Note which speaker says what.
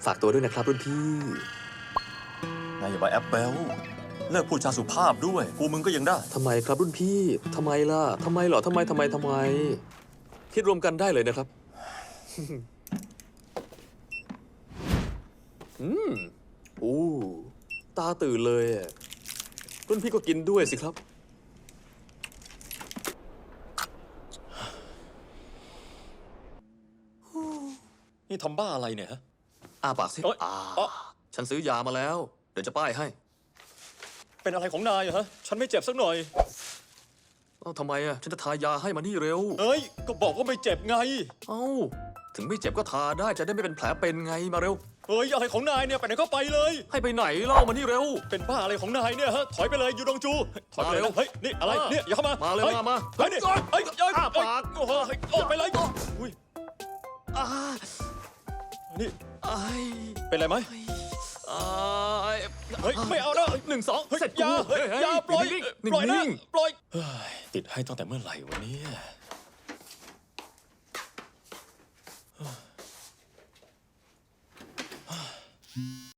Speaker 1: ฝากตัวด้วยนะครับรุ่นพี่
Speaker 2: นายอย่ามาแอปเบลเลิกพูดจาสุภาพด้วยกูมึงก็ยังได้
Speaker 1: ทำไมครับรุ่นพี่ทำไมล่ะทำไมเหรอทำไมคิดรวมกันได้เลยนะครับ โอ้ตาตื่นเลยอะรุ่นพี่ก็กินด้วยสิครับ
Speaker 2: นี่ทำบ้าอะไรเนี่ยฮะ
Speaker 1: อ้าปากสิ
Speaker 2: เอ้ยอ๋อ
Speaker 1: ฉันซื้อยามาแล้ว เดี๋ยวจะป้ายให้
Speaker 2: เป็นอะไรของนายอะฮะ ฉันไม่เจ็บสักหน่อย
Speaker 1: เอ้าทำไมอะฉันจะทายาให้มานี่เร็ว
Speaker 2: เอ้ย ก็บอกว่าไม่เจ็บไง
Speaker 1: เอ้า ถึงไม่เจ็บก็ทาได้จะได้ไม่เป็นแผลเป็นไงมาเร็ว
Speaker 2: เฮ้ย อะไรของนายเนี่ย ไปไหนก็ไปเลย
Speaker 1: ให้ไปไหนเล่ามานี่เร็ว
Speaker 2: เป็นบ้าอะไรของนายเนี่ยฮะ ถอยไปเลยยูดงจู ถอยไปเลย
Speaker 1: มาเร็ว
Speaker 2: นะเฮ้ย นี่อะไร เนี่ยอย่าเข้ามา
Speaker 1: มา
Speaker 2: มา
Speaker 1: เร็วมา
Speaker 2: เฮ้ยนี่เฮ้ยเฮ้ย
Speaker 1: อ้าปาก
Speaker 2: โอ้โหออกไปเลยอุ้ย
Speaker 1: อ่า
Speaker 2: นี่
Speaker 1: ไอ้
Speaker 2: เป็นไรไหม
Speaker 1: อ่า
Speaker 2: เฮ้ย ไม่เอานะ
Speaker 1: 1 2
Speaker 2: เฮ้ย
Speaker 1: เสร็จ
Speaker 2: อย่า
Speaker 1: กู
Speaker 2: เฮ้ยอย่าปล่อย
Speaker 1: นิ่งๆ
Speaker 2: ปล่อยนะ
Speaker 1: นิ่ง
Speaker 2: ปล่อยเฮ้ยติดให้ตั้งแต่เมื่อไหร่วะเนี่ย